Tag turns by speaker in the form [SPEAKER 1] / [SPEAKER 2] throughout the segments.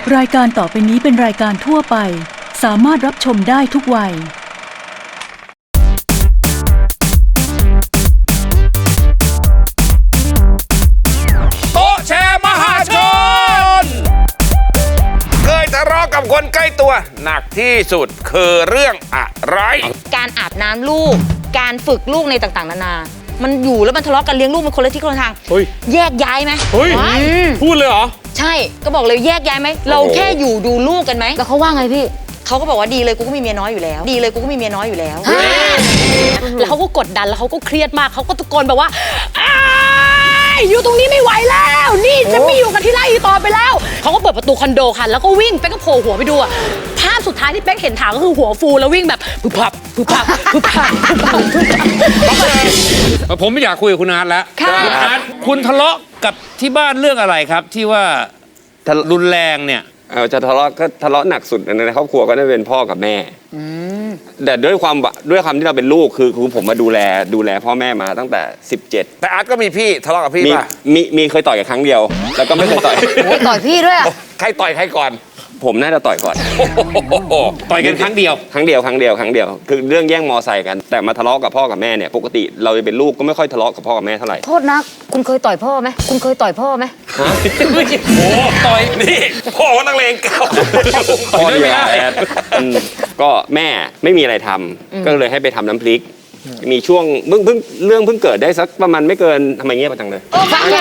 [SPEAKER 1] รายการต่อไปนี้เป็นรายการทั่วไปสามารถรับชมได้ทุกวัย
[SPEAKER 2] โต๊ะแชร์มหาชนเคยทะเลาะกับคนใกล้ตัวหนักที่สุดคือเรื่องอะไร
[SPEAKER 3] การอาบน้ำลูกการฝึกลูกในต่างๆนานามันอยู่แล้วมันทะเลาะกันเลี้ยงลูกมันคนละทิศคนละทางแยกย้ายไหม
[SPEAKER 2] พูดเลยเหรอ
[SPEAKER 3] ใช่ก็บอกเลยแยกย้ายไหมเราแค่อยู่ดูลูกกันไหมแล้วเขาว่าไงพี่เขาก็บอกว่าดีเลยกูก็มีเมียน้อยอยู่แล้วดีเลยกูก็มีเมียน้อยอยู่แล้ว
[SPEAKER 4] แล้วเขาก็กดดันแล้วเขาก็เครียดมากเขาก็ตะโกนแบบว่าอยู่ตรงนี้ไม่ไหวแล้วนี่จะไม่อยู่กันที่ไร่ต่อไปแล้วเขาก็เปิดประตูคอนโดค่ะแล้วก็วิ่งเป๊กก็โผล่หัวไปดูภาพสุดท้ายที่เป๊กเห็นถางก็คือหัวฟูแล้ววิ่งแบบพึบพับพึบพับพึบพับพึบพับพึบพับ
[SPEAKER 5] ผมไม่อยากคุยกับคุณอาร์ตแล้วคุณอาร์ตคุณทะเลาะกับที่บ้านเรื่องอะไรครับที่ว่ารุนแรงเนี่ย
[SPEAKER 6] จะทะเลาะก็ทะเลาะหนักสุดในครอบครัวก็ได้เป็นพ่อกับแม่แต่ด้วยความที่เราเป็นลูกคือผมมาดูแลพ่อแม่มาตั้งแต่17
[SPEAKER 2] แต่อาร์ตก็มีพี่ทะเลาะกับพี่ป่ะ
[SPEAKER 6] มีเคยต่อยกันครั้งเดียวแล้วก็ไม่เคยต่อย
[SPEAKER 3] ต่อยพี่ด้วย
[SPEAKER 2] ใครต่อยใครก่อน
[SPEAKER 6] ผมน่าจะต่อยก่อน
[SPEAKER 5] ต่อยกันครั้งเดียวคือเรื่องแย่งมอไซค์กันแต่มาทะเลาะกับพ่อกับแม่เนี่ยปกติเราเป็นลูกก็ไม่ค่อยทะเลาะกับพ่อกับแม่เท่าไหร่
[SPEAKER 3] โทษนะคุณเคยต่อยพ่อไหมคุณเคยต่อยพ่อไหม
[SPEAKER 2] โอ้ต่อยนี่พ่อนักเลงเก่า
[SPEAKER 6] พ่อเยอะก็แม่ไม่มีอะไรทำก็เลยให้ไปทำน้ำพริกมีช่วงเพิ่งเกิดได้สักประมาณไม่เกินทำไมเงียบจังเลย
[SPEAKER 3] ฟังเนี่ย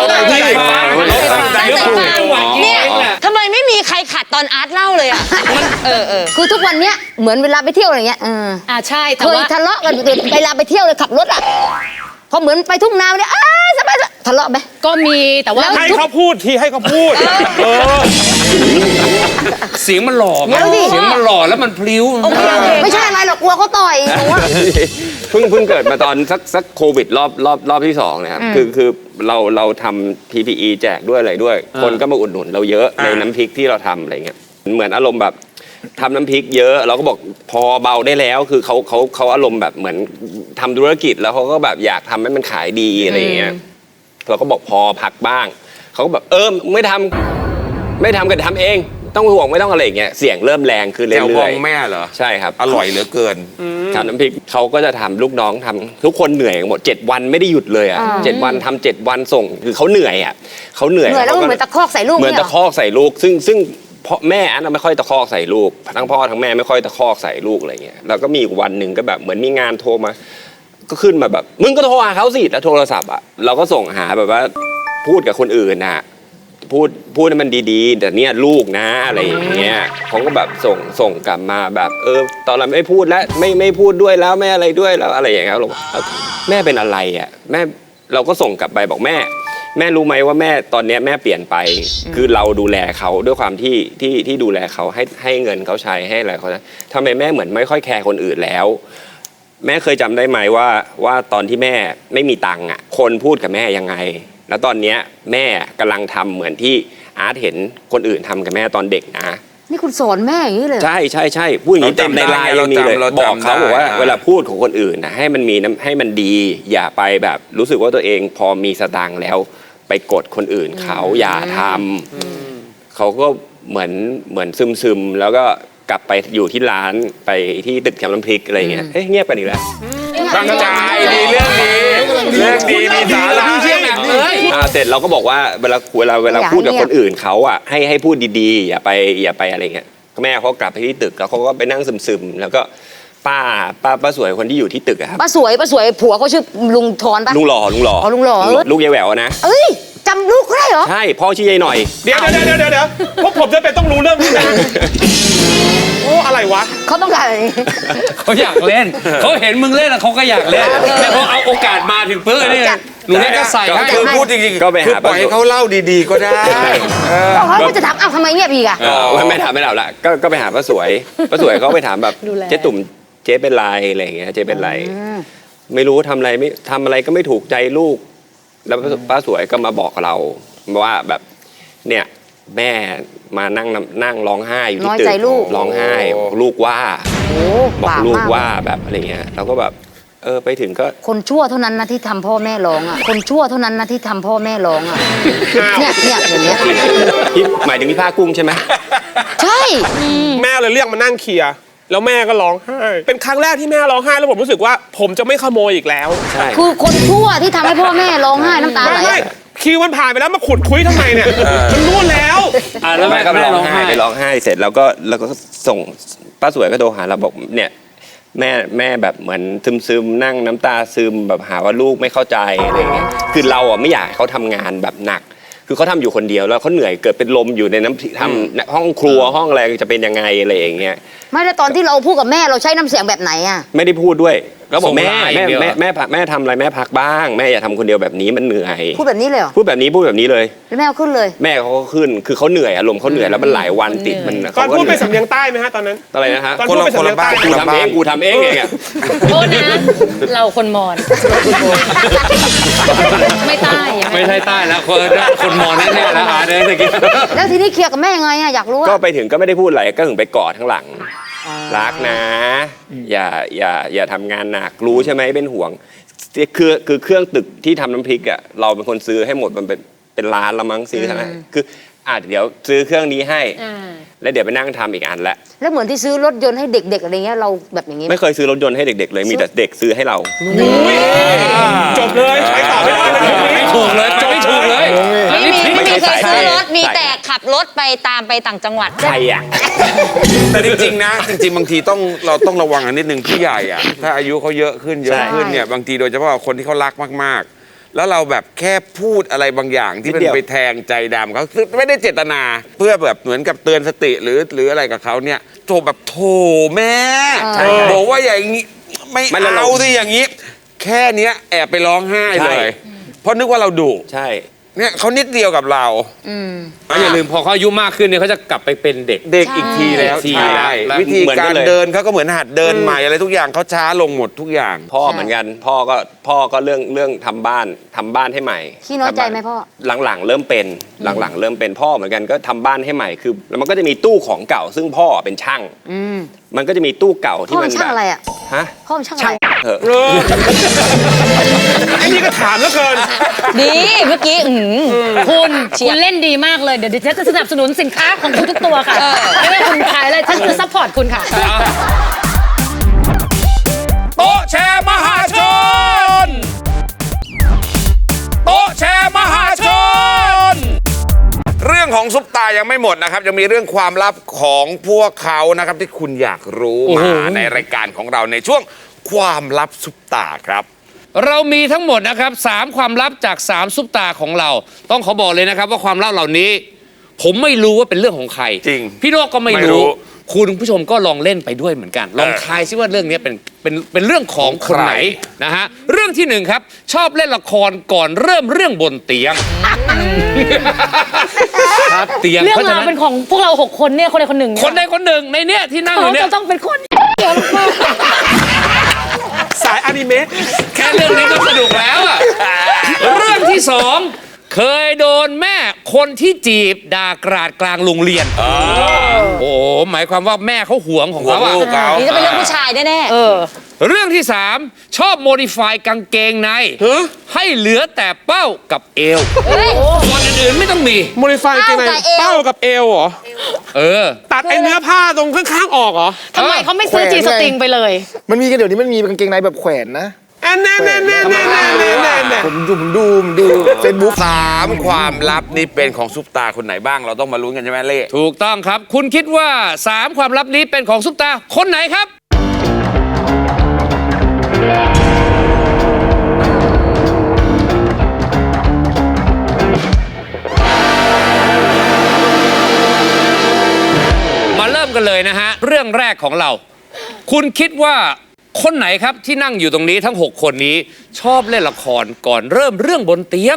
[SPEAKER 3] ทำไมไม่มีใครขัดตอนอาร์ตเล่าเลยอ่ะคือทุกวันเนี้ยเหมือนเวลาไปเที่ยวอะไรเงี้ย
[SPEAKER 4] ใช่
[SPEAKER 3] เคยทะเลาะกันเวลาไปเที่ยวเลยขับรถอ่ะพอเหมือนไปทุ่งนาเนี่ยสบายทะเลาะไหม
[SPEAKER 4] ก็มีแต่ว่า
[SPEAKER 2] ให้เขาพูดทีให้เขาพูด
[SPEAKER 5] เสียงมันหล่อเสียงมันหล่อแล้วมันพลิ้ว
[SPEAKER 3] ไม่ใช่อะไรหรอกกลัวเขาต่อย
[SPEAKER 6] เพิ่งเกิดมาตอนสักโควิดรอบที่2นะครับคือเราทำ PPE แจกด้วยอะไรด้วยคนก็มาอุดหนุนเราเยอะในน้ำพริกที่เราทำอะไรเงี้ยเหมือนอารมณ์แบบทำน้ำพริกเยอะเราก็บอกพอเบาได้แล้วคือเขาอารมณ์แบบเหมือนทำธุรกิจแล้วเขาก็แบบอยากทำให้มันขายดีอะไรเงี้ยเราก็บอกพอพักบ้างเขาก็แบบไม่ทำก็ทำเองต้องห่วงไม่ต้องอะไรอย่างเงี้ยเสียงเริ่มแรงขึ้นเรื่อยๆ
[SPEAKER 2] แจ่วบองแม่เหรอ
[SPEAKER 6] ใช่ครับ
[SPEAKER 2] อร่อยเหลือเกิน
[SPEAKER 6] ทำน้ำพริกเขาก็จะทำลูกน้องทำทุกคนเหนื่อยหมด7 วันไม่ได้หยุดเลยอ่ะ7 วันทำ7 วันส่งคือเขาเหนื่อยอ่ะเขาเหนื่อย
[SPEAKER 3] แล้วเหมือนตะคอกใส่ลูก
[SPEAKER 6] เหมือนตะคอกใส่ลูกซึ่งพ่อแม่อันไม่ค่อยตะคอกใส่ลูกทั้งพ่อทั้งแม่ไม่ค่อยตะคอกใส่ลูกอะไรเงี้ยแล้วก็มีวันหนึ่งก็แบบเหมือนมีงานโทรมาก็ขึ้นมาแบบมึงก็โทรหาเขาสิแล้วโทรศัพท์อ่ะเราก็ส่งหาแบบว่าพูดกับคนอื่นน่ะพูดให้มันดีๆแต่เนี่ยลูกนะอะไรอย่างเงี้ยเขาก็แบบส่งกลับมาแบบตอนเราไม่พูดแล้วไม่พูดด้วยแล้วไม่อะไรด้วยแล้วอะไรอย่างเงี้ยเราบอกแม่เป็นอะไรอ่ะแม่เราก็ส่งกลับไปบอกแม่รู้ไหมว่าแม่ตอนนี้แม่เปลี่ยนไปคือเราดูแลเขาด้วยความที่ดูแลเขาให้เงินเขาใช้ให้อะไรเขาทำไมแม่เหมือนไม่ค่อยแคร์คนอื่นแล้วแม่เคยจำได้ไหมว่าตอนที่แม่ไม่มีตังค์อ่ะคนพูดกับแม่ยังไงแล้วตอนนี้แม่กำลังทำเหมือนที่อาร์ตเห็นคนอื่นทำกับแม่ตอนเด็กนะ
[SPEAKER 3] นี่คุณสอนแม่อย่างนี้เลย
[SPEAKER 6] ใช่พูดอย่างนี้เต็มในไลน์ยังมีเลยบอกเขาบอกว่าเวลาพูดของคนอื่นนะให้มันดีอย่าไปแบบรู้สึกว่าตัวเองพอมีสตางค์แล้วไปกดคนอื่นเขาอย่าทำเขาก็เหมือนซึมแล้วก็กลับไปอยู่ที่ร้านไปที่ตึกแถวน้ำพริกอะไรเงี้ยเงียบกันอีกแล้ว
[SPEAKER 2] ตั้งใจดีเรื่องดีมีสาระ
[SPEAKER 6] เสร็จเราก็บอกว่าเวลาพูดกับคนอื่นเขาอ่ะให้พูดดีๆอย่าไปอะไรเงี้ยแม่เขากลับไปที่ตึกแล้วเขาก็ไปนั่งซึมแล้วก็ป้าสวยคนที่อยู่ที่ตึกอะครับ
[SPEAKER 3] ป้าสวยผัวเขาชื่อลุงทอนปะ
[SPEAKER 6] ลุงหล่อลูกยายแหววนะ
[SPEAKER 3] จำลูกได้เหรอ
[SPEAKER 6] ใช่พ่อชื่อยายหน่อย
[SPEAKER 2] เดี๋ยวพวกผมจะเป็นต้องรู้เรื่องนี้นะโอ้อะไรวะ
[SPEAKER 3] เขาต้องการอะไร
[SPEAKER 5] เขาอยากเล่นเขาเห็นมึงเล่นแล้วเขาก็อยากเล่นแต่พอเอาโอกาสมาถึงปื้อนี่หนูนี่ก็ใส่
[SPEAKER 2] คือพูดจริงๆ
[SPEAKER 6] ก็ไปหา
[SPEAKER 2] ปล่อยให้เขาเล่าดีๆก็ได้
[SPEAKER 3] เขาจะถามทำไมเงียบอีกอะ
[SPEAKER 6] ไม่ถามไม่เล่าละก็ไปหาป้าสวยเขาไปถามแบบเจ๊ตุ่มเจ๊เป็นไรอะไรอย่างเงี้ยเจ๊เป็นไรไม่รู้ทำอะไรก็ไม่ถูกใจลูกแล้วป้าสวยก็มาบอกเราว่าแบบเนี่ยแม่มานั่งร้องไห้อยู่ที่ตึกร้องไห้ลูกว่าบอกลูกว่าแบบอะไรเงี้ยเราก็แบบไปถึงก็
[SPEAKER 3] คนชั่วเท่านั้นนะที่ทำพ่อแม่ร้องอ่ะคนชั่วเท่านั้นนะที่ทำพ่อแม่ร้องอ่ะเนี่ยอย่างเงี้ย
[SPEAKER 5] พี่หมายถึงพี่ผ้ากุ้งใช่ไหม
[SPEAKER 3] ใช่
[SPEAKER 7] แม่เลยเรียกมานั่งเคลียร์แล้วแม่ก็ร้องไห้เป็นครั้งแรกที่แม่ร้องไห้แล้วผมรู้สึกว่าผมจะไม่ขโมยอีกแล้ว
[SPEAKER 5] ใช่
[SPEAKER 3] คือคนชั่วที่ทำให้พ่อแม่ร้องไห้น้ำตาไหล
[SPEAKER 7] ไม่คิวมันผ่านไปแล้วมาขุดคุยทำไมเนี่ยมันนู่นแล้ว
[SPEAKER 5] แล้วแม่ก็ร้องไห้ไปร้องไห้เสร็จแล้วก็ส่งป้าสวยก็โทรหาเราบอกเนี่ยแม่แบบเหมือนซึมนั่งน้ำตาซึมแบบหาว่าลูกไม่เข้าใจอะไรเงี้ยคือเราอ่ะไม่อยากให้เขาทำงานแบบหนัก คือเขาทำอยู่คนเดียวแล้วเขาเหนื่อยเกิดเป็นลมอยู่ในทำห้องครัวห้องอะไรจะเป็นยังไงอะไรอย่างเงี้ย
[SPEAKER 3] ไม่แล้วตอนที่เราพูดกับแม่เราใช้น้ำเสียงแบบไหนอะ
[SPEAKER 5] ไม่ได้พูดด้วยก็บอก
[SPEAKER 6] ส่ง
[SPEAKER 5] แม่
[SPEAKER 6] ไลน์อย่างเดียว
[SPEAKER 5] แม่ทำอะไรแม่พักบ้างแม่อย่าทำคนเดียวแบบนี้มันเหนื่อย
[SPEAKER 3] พูดแบบนี้เลยเหรอ
[SPEAKER 5] พูดแบบนี้เลย
[SPEAKER 3] แล้วแม่เอาขึ้นเลย
[SPEAKER 5] แม่เขาก็ขึ้นคือเขาเหนื่อยอารมณ์เขาเหนื่อยแล้วมันหลายวันติดมัน
[SPEAKER 7] ตอน
[SPEAKER 5] ขาก็
[SPEAKER 7] พูดเป็น
[SPEAKER 5] ห
[SPEAKER 7] สำเนียงใต้ไหมฮะตอนนั้น
[SPEAKER 5] อะไรนะฮะ
[SPEAKER 7] ตอนพูดเป็นสำเนียงใต้
[SPEAKER 5] กูทำเองอ่ะ
[SPEAKER 4] โทษนะ เราคนมอญไม่ใต้ยังไง
[SPEAKER 6] ไม่ใช่ใต้แล้วคนมองแน่ๆแล้วอาเนี่ยตะกี้
[SPEAKER 3] แล้วทีนี้เคลียร์กับแม่ยังไงอะอยากรู้
[SPEAKER 5] ก็
[SPEAKER 3] อะ
[SPEAKER 5] ไปถึงก็ไม่ได้พูดอะไรก็ถึงไปกอดข้างหลังรักนะ อย่าทำงานหนักรู้ใช่ไหมเป็นห่วงคือเครื่องตึกที่ทำน้ำพริกอ่ะเราเป็นคนซื้อให้หมดมันเป็นล้านละมั้งซื้อทั้งนั้นคือเดี๋ยวซื้อเครื่องนี้ให้ แล้วเดี๋ยวไปนั่งทำอีกอันละ
[SPEAKER 3] แล้วเหมือนที่ซื้อรถยนต์ให้เด็กๆอะไรเงี้ยเราแบบอย่างงี้ไหม
[SPEAKER 5] ไม่เคยซื้อรถยนต์ให้เด็กๆเลยมีแต่เด็กซื้อให้เรา
[SPEAKER 7] จบเลยไปต่อไม่ได้เลย
[SPEAKER 6] ไม่ถูกเลยไปไม่ถูกเลย
[SPEAKER 3] ไม่มีเคยซื้อรถมี
[SPEAKER 5] ใช่
[SPEAKER 3] แต่ขับรถไปตามไปต่างจังหวัด
[SPEAKER 5] ใครอ่ะ
[SPEAKER 2] แต่จริงๆนะจริงๆบางทีเราต้องระวังอันนิดนึงผู้ใหญ่อะถ้าอายุเขาเยอะขึ้นเนี่ยบางทีโดยเฉพาะคนที่เขารักมากๆ แล้วเราแบบแค่พูดอะไรบางอย่างที่มันไปแทงใจดำเขาคือไม่ได้เจตนาเพื่อแบบเหมือนกับเตือนสติหรืออะไรกับเขาเนี่ยโทรแบบโถแม่บอกว่าอย่างนี้ไม่เอาสิอย่างนี้ แค่เนี้ยแอบไปร้องไห้เลย เพราะนึกว่าเราดุ
[SPEAKER 5] ใช่
[SPEAKER 2] เนี่ยเขานิดเดียวกับเรา
[SPEAKER 6] อย่าลืมพอเขาอายุมากขึ้นเนี่ยเขาจะกลับไปเป็นเด็ก
[SPEAKER 2] เด็กอีกทีแล้ว
[SPEAKER 6] ใช่
[SPEAKER 2] ใช่
[SPEAKER 6] แล้ว
[SPEAKER 2] วิธี
[SPEAKER 5] เหมือนกั
[SPEAKER 2] กาน ร
[SPEAKER 5] เลย
[SPEAKER 2] เดินเขาก็เหมือนหัดเดินใหม่อะไรทุกอย่างเขาช้าลงหมดทุกอย่าง
[SPEAKER 5] พ่อเหมือนกันพ่อก็เรื่องทำบ้านให้ใหม่
[SPEAKER 3] ขี้น้อยใจไหมพ่อ
[SPEAKER 5] หลังๆเริ่มเป็นหลังๆเริ่มเป็นพ่อเหมือนกันก็ทำบ้านให้ใหม่คือแล้วมันก็จะมีตู้ของเก่า ซึ่งพ่อเป็นช่าง มันก็จะมีตู้เก่า
[SPEAKER 3] พ่
[SPEAKER 5] ที่
[SPEAKER 3] อ
[SPEAKER 5] มั
[SPEAKER 3] เป็น นช่างอะไรอะ
[SPEAKER 5] ฮะ
[SPEAKER 3] พ่อเป็นช่างอะไร
[SPEAKER 5] เถอะ
[SPEAKER 7] ไอ้นี่ก็ถามแล้วเกิน
[SPEAKER 3] ดีเมื่อกี้
[SPEAKER 4] คุณเล่นดีมากเลย เดี๋ยวฉันจะสนับสนุนสินค้าของคุณทุกตัวค่ะ ไม่ว่าคุณขายอะไรฉันจะซัพพอร์ตคุณค่ะ
[SPEAKER 2] โต๊ะแชร์มหาชน โต๊ะแชร์มหาชน เรื่องของซุปตายังไม่หมดนะครับยังมีเรื่องความลับของพวกเขานะครับที่คุณอยากรู้มาในรายการของเราในช่วงความลับซุปตาครับ
[SPEAKER 6] เรามีทั้งหมดนะครับ3ความลับจาก3ซุปตาของเรา ต้องขอบอกเลยนะครับว่าความลับเหล่านี้ ผมไม่รู้ว่าเป็นเรื่องของใคร
[SPEAKER 2] จริง
[SPEAKER 6] พี่โลกก็ไม่
[SPEAKER 2] ไม่รู้
[SPEAKER 6] รู้คุณผู้ชมก็ลองเล่นไปด้วยเหมือนกัน ลองทายซิว่าเรื่องนี้เป็นเรื่องของคนไหนนะฮะเรื่องที่1ครับชอบเล่นละครก่อนเริ่มเรื่องบนเตียงครับเตียง
[SPEAKER 4] เรื่อง
[SPEAKER 6] เพราะฉะ
[SPEAKER 4] ราว
[SPEAKER 6] นั้น
[SPEAKER 4] เป็นของพวกเรา6 คนเนี่ยคนใดคนหนึ่ง
[SPEAKER 6] คนใดคนหนึ่งในเนี้ยที่นั่งอ
[SPEAKER 4] เขา
[SPEAKER 6] ยู่เนี่ย
[SPEAKER 4] จะต้องเป็นคน
[SPEAKER 7] สายอนิเมะ
[SPEAKER 6] แค่เรื่องนี้ก็สนุกแล้วอะเรื่องที่2เคยโดนแม่คนที่จีบด่ากราดกลางโรงเรียนโอ้โหหมายความว่าแม่เขาหวงของเขาอะ
[SPEAKER 2] หวงลูกเขา
[SPEAKER 3] นี่จะเป็นเรื่องผู้ชายแน่ๆ
[SPEAKER 6] เรื่องที่3ชอบโมดิฟายกางเกงในให้เหลือแต่เป้ากับเอวส่วนอื่นๆไม่ต้องมี
[SPEAKER 7] โมดิฟายกันไงเป้ากับเอวเหรอ ตัดไอ้เนื้อผ้าตรงข้างๆออกเหรอ
[SPEAKER 4] ทำไมเขาไม่ซื้อจีสติงไปเลย
[SPEAKER 8] มันมีกันเดี๋ยวนี้มันมีกางเกงในแบบแขวนนะ
[SPEAKER 7] อันแน่
[SPEAKER 8] ผมดูเฟซบุ๊ก
[SPEAKER 2] 3ความลับนี่เป็นของซุปตาคนไหนบ้างเราต้องมาลุ้นกันใช่ไหมเล่
[SPEAKER 6] ถูกต้องครับ คุณคิดว่า3ความลับนี้เป็นของซุปตาคนไหนครับ มาเริ่มกันเลยนะฮะ เรื่องแรกของเรา คุณคิดว่าคนไหนครับที่นั่งอยู่ตรงนี้ทั้ง 6 คนนี้ชอบเล่นละครก่อนเริ่มเรื่องบนเตียง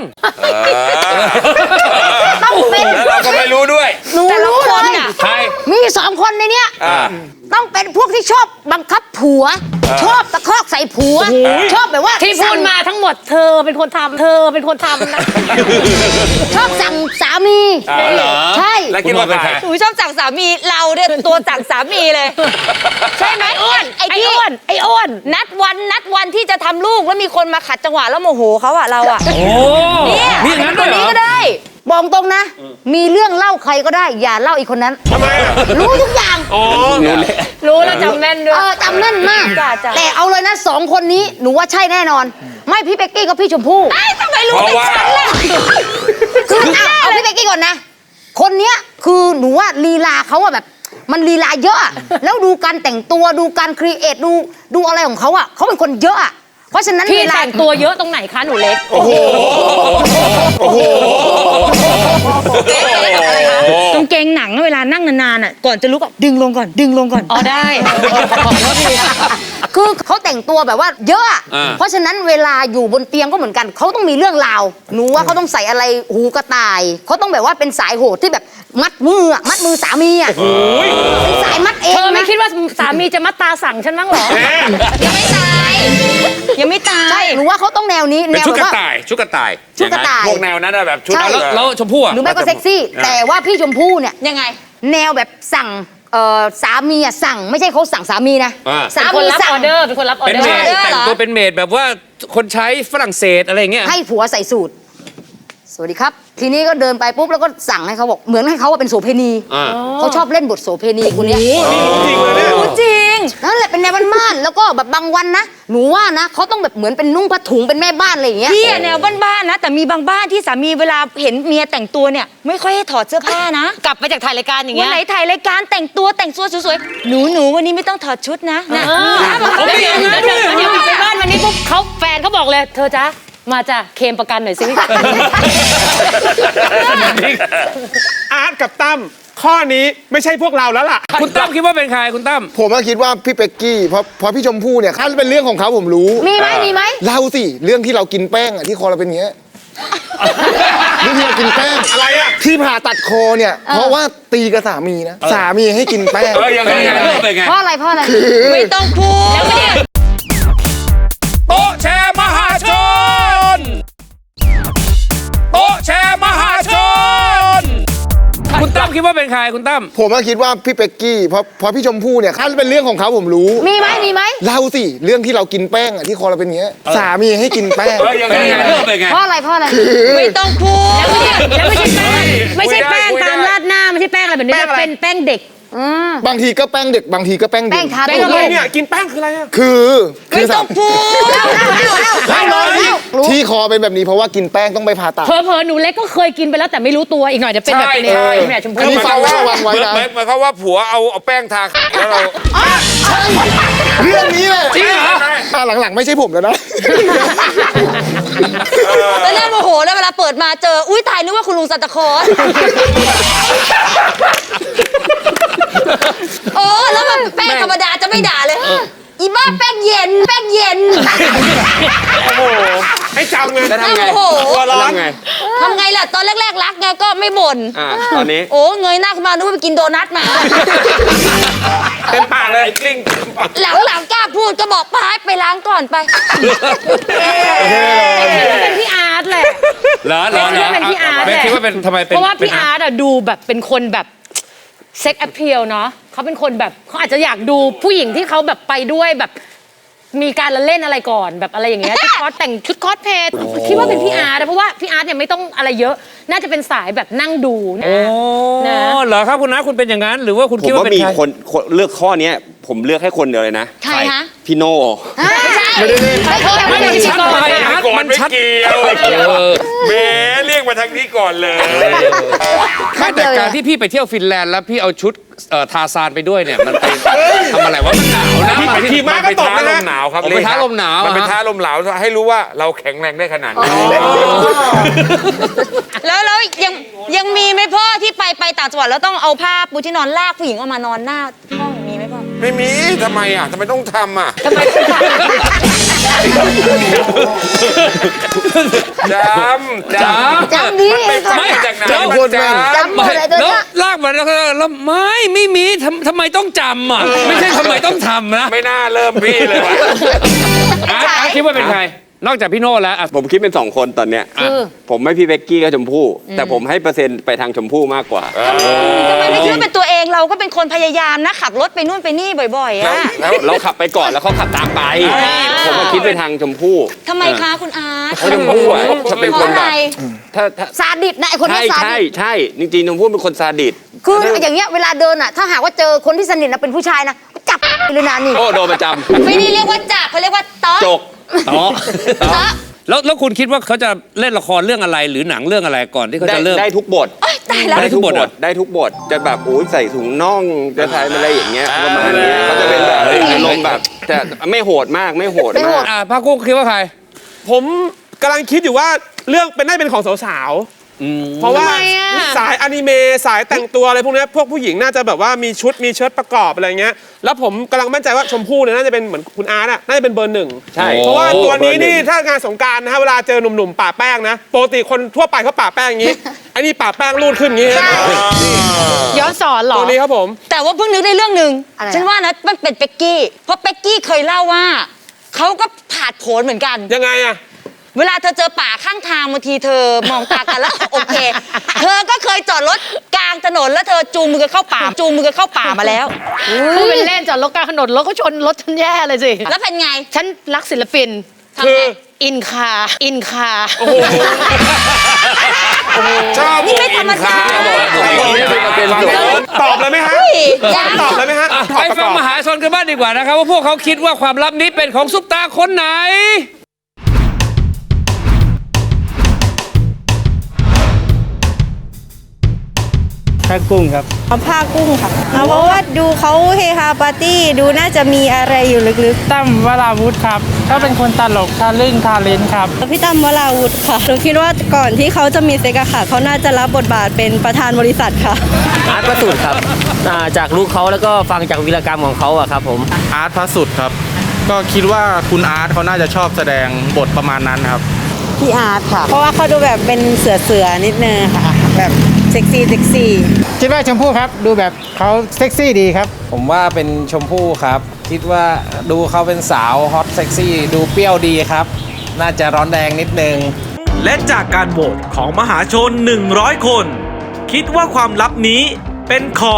[SPEAKER 3] ต้องเป็น
[SPEAKER 2] แล้วเราก็ไม่รู้ด้วย
[SPEAKER 3] หนูรู้เลย
[SPEAKER 6] ใคร
[SPEAKER 3] มี2 คนในเนี้ยต้องเป็นพวกที่ชอบบังคับผัว ชอบตะคอกใส่ผัว ชอบแบบว่า
[SPEAKER 4] ที่พูดมาทั้งหมดเธอเป็นคนทำนะ
[SPEAKER 3] ชอบสั่งสามี
[SPEAKER 6] เหรอ
[SPEAKER 3] ใช่
[SPEAKER 2] แล้วคิดว่าใคร
[SPEAKER 3] หนูชอบสั่งสามีเราเนี่ยตัวสั่งสามีเลย ใช่ไหมอ้วนไอ้อ้วนนัดวันที่จะทำลูกแล้วมีคนมาขัดจังหวะแล้วโมโหเขาอะเราอะ
[SPEAKER 6] โอ้
[SPEAKER 3] เนี่ย
[SPEAKER 6] มีอย่างนั้น
[SPEAKER 3] ค
[SPEAKER 6] ด้วย
[SPEAKER 3] น
[SPEAKER 6] เหร
[SPEAKER 3] นี้
[SPEAKER 6] อ
[SPEAKER 3] ก็ได้
[SPEAKER 9] บอกตรงนะ มีเรื่องเล่าใครก็ได้ อย่าเล่าอีกคนนั้น
[SPEAKER 7] ทำไมอ่ะ
[SPEAKER 9] รู้ทุกอย่าง
[SPEAKER 7] อ๋อ
[SPEAKER 4] รู้แล้วจำแม่นด้วย
[SPEAKER 9] จำแน่นมาก
[SPEAKER 3] จ้ะ
[SPEAKER 9] แต่เอาเลยนะ2 คนนี้หนูว่าใช่แน่นอน ไม่พี่เป๊กกี้กับพี่ชมพู่
[SPEAKER 3] ทำไมรู้แต่ฉันล่ะ
[SPEAKER 9] คือเอาพี่เป๊กกี้ก่อนนะ คนเนี้ยคือหนูว่าลีลาเขาอะแบบ มันลีลาเยอะอะแล้วดูการแต่งตัวดูการครีเอทดูอะไรของเขาอะเขาเป็นคนเยอะอะเพราะฉะนั้น
[SPEAKER 4] พี่
[SPEAKER 9] เวลา
[SPEAKER 4] แต่งตัวเยอะตรงไหนคะหนูเล็ก
[SPEAKER 3] กางเกงหนังเวลานั่งนานๆอ่ะก่อนจะลุกอ่ะดึงลงก่อน
[SPEAKER 4] อ๋อได้
[SPEAKER 9] คือเขาแต่งตัวแบบว่าเยอะอะเพราะฉะนั้นเวลาอยู่บนเตียงก็เหมือนกันเขาต้องมีเรื่องราวหนูว่าเขาต้องใส่อะไรหูกระต่ายเขาต้องแบบว่าเป็นสายโหดที่แบบมัดมือสามีอะเป็นสายมัดเอง
[SPEAKER 4] เธอไม่
[SPEAKER 9] นะ
[SPEAKER 4] คิดว่าสามีจะมาตาสั่งฉันบ้างเหรอ
[SPEAKER 3] ยังไม่ตาย ยังไม่ตาย
[SPEAKER 9] ใช่หนูว่าเขาต้องแนวนี้
[SPEAKER 2] เป็น
[SPEAKER 9] แนว
[SPEAKER 2] ชุด
[SPEAKER 9] แบบ
[SPEAKER 2] กระ
[SPEAKER 9] ว่า
[SPEAKER 2] ต่ายชุดกระต่าย
[SPEAKER 9] ชุดกระต่าย
[SPEAKER 2] พวกแนวนั้นอะแบบชุด
[SPEAKER 9] ใช่
[SPEAKER 2] แล้วชมพู่อะ
[SPEAKER 9] หรือไม่ก็เซ็กซี่ แต่ว่าพี่ชมพู่เนี่ย
[SPEAKER 3] ยังไง
[SPEAKER 9] แนวแบบสั่งสามีอะสั่งไม่ใช่เขาสั่งสามีนะสา
[SPEAKER 4] เป็นคน
[SPEAKER 9] มี
[SPEAKER 4] รับ
[SPEAKER 9] สั่
[SPEAKER 4] อง อเดอร์เป็นคนรับออ
[SPEAKER 10] เป็น
[SPEAKER 4] เดอ
[SPEAKER 10] เม
[SPEAKER 4] ร์
[SPEAKER 10] ดแต่งตัวเป็นเมดแบบว่าคนใช้ฝรั่งเศสอะไรอย่างเงี้ย
[SPEAKER 9] ให้ผัวใส่สูตร สวัสดีครับ ทีนี้ก็เดินไปปุ๊บแล้วก็สั่งให้เขาบอกเหมือนให้เขาว่าเป็นโสเภณีเขาชอบเล่นบทโสเภณีคนเนี้ย
[SPEAKER 7] จริงเลยเนี่ย
[SPEAKER 3] จริง
[SPEAKER 9] นั่นแหละเป็นแนวบ้านๆแล้วก็แบบบางวันนะหนูว่านะเขาต้องแบบเหมือนเป็นนุ่งผ้าถุงเป็นแม่บ้านอะไรอย่างเงี้ย
[SPEAKER 3] พี่อะแนวบ้านๆนะ แต่มีบางบ้านที่สามีเวลาเห็นเมียแต่งตัวเนี่ย ไม่ค่อยให้ถอดเสื้อผ้านะ
[SPEAKER 4] กลับไปจากถ่ายรายการอย่าง
[SPEAKER 3] วั
[SPEAKER 4] เงี้
[SPEAKER 3] น
[SPEAKER 4] ย
[SPEAKER 3] ไหนถ่ายรายการแต่งตัวสวยๆหนูวันนี้ไม่ต้องถอดชุดนะนะ
[SPEAKER 4] แล้วเดี๋ยวกลับไปบ้านวันนี้ปุ๊บเขาแฟนเขาบอกเลย เธอจ๊ะมาจ้ะเคลมประกันหน่อยสิ
[SPEAKER 7] อาร์ตกับตั้มข้อนี้ไม่ใช่พวกเราแล้วล่ะ
[SPEAKER 10] คุณตั้มคิดว่าเป็นใครคุณตั้ม
[SPEAKER 8] ผมก็คิดว่าพี่เป็กกี้เพราะพี่ชมพู่เนี่ยถ้าเป็นเรื่องของเขาผมรู้
[SPEAKER 9] มีไหม
[SPEAKER 8] เล่าสิเรื่องที่เรากินแป้งอะที่คอเราเป็นอย่างเงี้ยเรื่องที่เรากินแป้ง
[SPEAKER 7] อะไรอะ
[SPEAKER 8] ที่ผ่าตัดคอเนี่ย เพราะว่าตีกับสามีนะสามีให้กินแป้ง
[SPEAKER 2] ยังไงเป็นไง
[SPEAKER 9] เพราะอะไร
[SPEAKER 3] ไม่ต้องพูด
[SPEAKER 10] โต๊ะแชร์มหาชน โต๊ะแชร์มหาชน คุณตั้มคิดว่าเป็นใครคุณตั้ม
[SPEAKER 8] ผมก็คิดว่าพี่เป็กกี้เพราะพี่ชมพู่เนี่ยถ้าเป็นเรื่องของเขาผมรู้
[SPEAKER 9] มีไหม
[SPEAKER 8] เล่าสิเรื่องที่เรากินแป้งอะที่คอเราเป็นอย่างเงี้ยสามีให้กินแป้ง
[SPEAKER 2] ยังไงเป็นไง
[SPEAKER 9] เพราะอะไร
[SPEAKER 3] ไม่ต้องพูด
[SPEAKER 4] แล้วไม่ใช่แป้งไม่ใช่แป้ง
[SPEAKER 2] คุยได้
[SPEAKER 4] ตามราดหน้าไม่ใช่แป้งอะไรแบบนี้
[SPEAKER 7] แป้งอะไร
[SPEAKER 4] เป็นแป้งเด็ก
[SPEAKER 8] บางทีก็แป้งเด็กบางทีก็แป้ง
[SPEAKER 9] แป้
[SPEAKER 8] เด็
[SPEAKER 9] ง
[SPEAKER 8] ก
[SPEAKER 9] ทา
[SPEAKER 7] แป้งอะไรเนี่ย กินแป้งคืออะไรอะ
[SPEAKER 8] คือ
[SPEAKER 3] ไม่ต้องพูด
[SPEAKER 9] เล่ารู้
[SPEAKER 8] ที่คอเป็นแบบนี้เพราะว่ากินแป้งต้องไปผ่าตัด
[SPEAKER 4] เผลอๆหนูเล็กก็เคยกินไปแล้วแต่ไม่รู้ตัวอีกหน่อยจะเป็นแบบนี้แม่ชม
[SPEAKER 8] อัน
[SPEAKER 4] พู่
[SPEAKER 8] นี้ฟังระวังไว้นะ
[SPEAKER 2] หมายความว่าผัวเอาแป้งทาแล้วเรา
[SPEAKER 8] เรื่องนี้เลย
[SPEAKER 2] จริงเหรอ
[SPEAKER 8] หลังๆไม่ใช่ผมแล้วนะ
[SPEAKER 3] แล้วเนี่ยโมโหแล้วเวลาเปิดมาเจอ อุ้ยตายนึกว่าคุณลุงซานตาคลอสโอ้แล้วแบบแป้งธรรมดาจะไม่ด่าเลย อีบ้าแป้งเย็น
[SPEAKER 7] โอ้โห ให้จำไง
[SPEAKER 2] แล้วทำไง
[SPEAKER 3] โอ้โห
[SPEAKER 7] ตัวร้อน
[SPEAKER 2] ทำไง
[SPEAKER 3] ทำไงล่ะ ตอนแรกๆรักไงก็ไม่บ่น
[SPEAKER 2] ตอนนี้
[SPEAKER 3] โอ้เงยหน้าขึ้นมานึกว่าไปกินโดนัทมา
[SPEAKER 2] เต็มปากเลยกลิ้ง
[SPEAKER 3] หลังๆกล้าพูดก็บอกไปล้างก่อนไป
[SPEAKER 4] เป็นพี่อาร์ตแหละ
[SPEAKER 10] เหรอ
[SPEAKER 4] คิดว่าเป็นพี่อาร์ต
[SPEAKER 10] แม่
[SPEAKER 4] แหละ
[SPEAKER 10] คิดว่าเป็นทำไมเป็น
[SPEAKER 4] เพราะว่าพี่อาร์ตอะดูแบบเป็นคนแบบเซ็กแอพเพียลเนาะเขาเป็นคนแบบเขาอาจจะอยากดูผู้หญิงที่เขาแบบไปด้วยแบบมีการละเล่นอะไรก่อนแบบอะไรอย่างเงี้ยชุดคอสแต่งชุดคอสเพลย์คิดว่าเป็นพี่อาร์ตนะเพราะว่าพี่อาร์ตเนี่ยไม่ต้องอะไรเยอะ น่าจะเป็นสายแบบนั่งดูนะ
[SPEAKER 10] โอ้
[SPEAKER 4] นะ
[SPEAKER 10] เหรอครับคุณนะคุณเป็นอย่างนั้น หรือว่าคุณ
[SPEAKER 5] ผม
[SPEAKER 10] คิดว่า
[SPEAKER 5] ว่า
[SPEAKER 10] เป็น
[SPEAKER 5] มี
[SPEAKER 10] ใคร
[SPEAKER 5] คนเลือกข้อเนี้ยผมเลือกให้คนเดียวเลยนะ
[SPEAKER 3] ใครฮะ
[SPEAKER 5] พี่โน่
[SPEAKER 9] ไม่ใช่
[SPEAKER 10] ไม่ได้ชัดไปอาร์ต
[SPEAKER 2] ก่อน
[SPEAKER 10] มัน
[SPEAKER 2] ไม่
[SPEAKER 10] ชัด
[SPEAKER 2] เกี่ยวแหมเรียกมาทางนี้ก่อนเลย
[SPEAKER 10] ไม่แต่การที่พี่ไปเที่ยวฟินแลนด์แล้วพี่เอาชุดทาซานไปด้วยเนี่ยมันไปทำอะไรวะมันหนาวนะ
[SPEAKER 7] พี่ไปขี่ม้าก็ตก
[SPEAKER 2] ท้า
[SPEAKER 7] นะ
[SPEAKER 2] ล
[SPEAKER 7] ฮะ
[SPEAKER 2] มหนาวครับ
[SPEAKER 10] ผมไปท้าลมหนาว
[SPEAKER 2] มันเป็น
[SPEAKER 10] อะฮะ
[SPEAKER 2] ท้าลมหนาวให้รู้ว่าเราแข็งแรงได้ขนาดนี้
[SPEAKER 3] แล้วยังมีไหมพ่อที่ไปต่างจังหวัดแล้วต้องเอาผ้าปูที่นอนลากผู้หญิงออกมานอนหน้าห้องมีไหมพ่อ
[SPEAKER 2] ไม่มีทำไมอ่ะทำไมต้องทำอ่ะ
[SPEAKER 3] ทำไมต้องทำ
[SPEAKER 2] จำ
[SPEAKER 9] ดี
[SPEAKER 2] ไม่จากไหน
[SPEAKER 10] เดี๋ยว
[SPEAKER 2] มันจำ
[SPEAKER 9] จำหมดเลยตัว
[SPEAKER 10] แล้ว
[SPEAKER 9] เนี้ย
[SPEAKER 10] ลากมาแล้วไม่มีทำไมต้องจำอ่ะไม่ใช่ทำไมต้องทำนะ
[SPEAKER 2] ไม่น่าเริ่มพี่เลยว่ะ
[SPEAKER 10] อาร์ตคิดว่าเป็นใครนอกจากพี่โน่แล้วอ่ะ
[SPEAKER 6] ผมคิดเป็น 2 คนตอนเนี้ย
[SPEAKER 9] คือ
[SPEAKER 6] ผมไม่พี่เบกกี้กับชมพู่แต่ผมให้เปอร์เซ็นต์ไปทางชมพู่มากกว่า
[SPEAKER 3] ทำไมไม่คิดว่าเป็นตัวเองเราก็เป็นคนพยายามนะขับรถไปนู่นไปนี่บ่อยๆอะ
[SPEAKER 6] แล้วเราขับไปก่อนแล้วเขาขับตามไป ผมมาคิดไปทางชมพู่
[SPEAKER 3] ทำไมคะคุณอาร์ต
[SPEAKER 6] เพราะชมพู่อะจะเป็นคนแบบถ้า
[SPEAKER 9] ซาดิสนะไอคนนี้ซาดิส
[SPEAKER 6] ใช่จริงๆชมพู่เป็นคนซาดิส
[SPEAKER 9] คืออย่างเงี้ยเวลาเดินอ่ะถ้าหากว่าเจอคนที่สนิทนะเป็นผู้ชายนะจับเลยนะนี่
[SPEAKER 6] โอ้โดนประจำ
[SPEAKER 3] ไม่ได้เรียกว่าจับเขาเรียกว่าต๊อก
[SPEAKER 6] จก
[SPEAKER 10] อ๋อ
[SPEAKER 3] ต๊อก
[SPEAKER 10] แล้วคุณคิดว่าเขาจะเล่นละครเรื่องอะไรหรือหนังเรื่องอะไรก่อนที่เขาจะเริ่ม
[SPEAKER 6] ได้ทุกบท
[SPEAKER 3] โอ๊ยตายแล้ว
[SPEAKER 10] ได้ทุกบทเหรอ
[SPEAKER 6] ได้ทุกบทจะแบบโอ้ยใส่ถุงน่องจะใส่อะไรอย่างเงี้ยประมาณเนี้ยเขาจะเป็นแบบอารมณ์แบบแต่ไม่โหดมากไม่โหดมาก
[SPEAKER 10] ภาคกุ้งคิดว่าใคร
[SPEAKER 7] ผมกำลังคิดอยู่ว่าเรื่องเป็นได้เป็นของสาวๆ เพราะว่าสายอนิเมะสายแต่งตัวอะไรพวกเนี้ยพวกผู้หญิงน่าจะแบบว่ามีชุดมีเชิ้ตประกอบอะไรเงี้ย แล้วผมกำลังมั่นใจว่าชมพู่เนี่ยน่าจะเป็นเหมือนคุณอาร์ตน่าจะเป็นเบอร์ 1
[SPEAKER 6] ใช่
[SPEAKER 7] เพราะว่าตัวนี้นี่
[SPEAKER 6] เบอร์หนึ่ง
[SPEAKER 7] ถ้างานสงกรารนะฮะเวลาเจอหนุ่มๆป่าแป้งนะปกติคนทั่วไปเขาป่าแป้งอย่างงี้ อันนี้ป่าแป้งรูดขึ้นอย่างงี้
[SPEAKER 4] ย้อนสอนเหรอ
[SPEAKER 7] ตัวนี้ครับผม
[SPEAKER 3] แต่ว่าเพิ่งนึกได้เรื่องหนึ่ง
[SPEAKER 9] อะไร
[SPEAKER 3] ฉันว่านะมันเป็นเป็กกี้เพราะเป็กกี้เคยเล่าว่าเขาก็ผาดโผนเหมือนกัน
[SPEAKER 7] ยังไงอะ
[SPEAKER 3] เวลาเธอเจอป่าข้างทางบางทีเธอมองตากันแล้ว โอเค เธอก็เคยจอดรถกลางถนนแล้วเธอจูงมือกันเข้าป่ามาแล้ว
[SPEAKER 4] พูดเป็นเล่นจอดรถกลางถนนรถก็ชนรถฉันแย่เลยสิ
[SPEAKER 3] แล้วเป็นไง
[SPEAKER 4] ฉันรักศิลปิน
[SPEAKER 3] ทำไง
[SPEAKER 4] อินคา
[SPEAKER 2] ชอบ
[SPEAKER 3] นี่ไม่ธรรมดา
[SPEAKER 7] ตอบเลยไหมฮะ
[SPEAKER 3] ยัง
[SPEAKER 7] ตอบเลยไหมฮะ
[SPEAKER 10] ไปฟังมหาชนกันบ้างดีกว่านะครับว่าพวกเขาคิดว่าความลับนี้เป็นของซุปตาคนไหน
[SPEAKER 11] ผ้ากุ้งครับ
[SPEAKER 12] ผ้ากุ้งค่ะเพราะว่าดูเขาเฮฮาปาร์ตี้ดูน่าจะมีอะไรอยู่ลึก
[SPEAKER 11] ตั้มวราวุธครับ ก็เป็นคนตลกทะลึ่งทาเลนครับ
[SPEAKER 12] ๆพี่ตั้มวราวุธค่ะหนูคิดว่าก่อนที่เขาจะมีเซ็กอะค่ะเขาน่าจะรับบทบาทเป็นประธานบริษัทค่ะ
[SPEAKER 11] อาร์ตพระสุดครับจากลูกเขาแล้วก็ฟังจากวีรกรรมของเขาอะครับผม
[SPEAKER 13] อาร์ตพระสุดครับ ก็คิดว่าคุณอาร์ตเขาน่าจะชอบแสดงบทประมาณนั้นครับ
[SPEAKER 12] พี่อาร์ตค่ะ เพราะว่าเขาดูแบบเป็นเสือนิดนึงค่ะแบบเซ็กซี่
[SPEAKER 11] คิดว่าชมพู่ครับ ดูแบบเขาเซ็กซี่ดีครับ ผมว่าเป็นชมพู่ครับ คิดว่าดูเขาเป็นสาวฮอตเซ็กซี่ดูเปรี้ยวดีครับ น่าจะร้อนแรงนิดนึง
[SPEAKER 14] และจากการโหวตของมหาชน 100 คน คิดว่าความลับนี้เป็นของ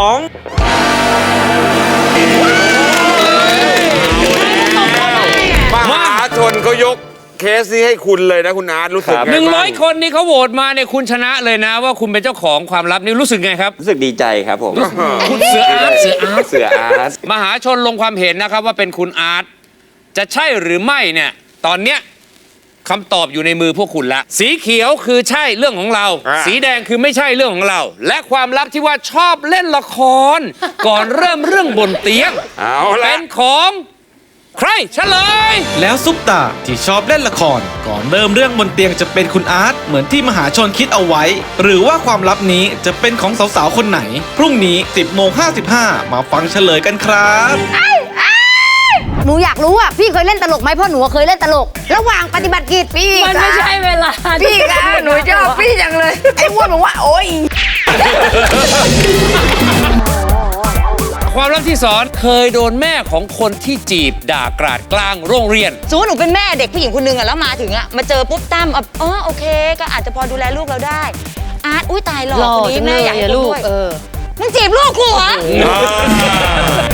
[SPEAKER 2] มหาชนเขายกเคสนี้ให้คุณเลยนะคุณอาร์ตรู้สึกไงบ้าง
[SPEAKER 10] 100 คนนี่เขาโหวตมาเนี่ยคุณชนะเลยนะว่าคุณเป็นเจ้าของความลับนี่รู้สึกไงครับ
[SPEAKER 6] รู้สึกดีใจครับผม
[SPEAKER 10] คุณเสืออาร์ต
[SPEAKER 6] เสืออาร์ต
[SPEAKER 10] มหาชนลงความเห็นนะครับว่าเป็นคุณอาร์ตจะใช่หรือไม่เนี่ยตอนเนี้ยคำตอบอยู่ในมือพวกคุณละสีเขียวคือใช่เรื่องของเรา สีแดงคือไม่ใช่เรื่องของเรา และความลับที่ว่าชอบเล่นละคร ก่อนเริ่มเรื่องบนเตียง
[SPEAKER 2] เอาละ
[SPEAKER 10] เป็นของใครเฉลย
[SPEAKER 14] แล้วซุปตาที่ชอบเล่นละคร ก่อนเริ่มเรื่องบนเตียงจะเป็นคุณอาร์ตเหมือนที่มหาชนคิดเอาไว้ หรือว่าความลับนี้จะเป็นของสาวๆคนไหน พรุ่งนี้ 10:55 มาฟังเฉลยกันครับ
[SPEAKER 9] หนูอยากรู้อ่ะพี่เคยเล่นตลกไหมเพราะหนูเคยเล่นตลก ระหว่างปฏิบัติกิจพี่
[SPEAKER 4] มันไม่ใช่เวลา
[SPEAKER 9] พี่คะหนูชอบพี่จังเลยไอ้อ้วนบอกว่าโอ๊ย
[SPEAKER 10] ความลับที่สอนเคยโดนแม่ของคนที่จีบด่ากราดกลางโรงเรียน
[SPEAKER 3] สมมติหนูเป็นแม่เด็กผู้หญิงคนนึงอะแล้วมาถึงอะมาเจอปุ๊บตั้มโอเค ก็อาจจะพอดูแลลูกเราได้ อาร์ตอุ้ยตายหล่อคนนี้แม่อยากให้
[SPEAKER 4] ลู
[SPEAKER 3] ลู
[SPEAKER 4] ก
[SPEAKER 3] กมึงจีบลูกกูเหรอ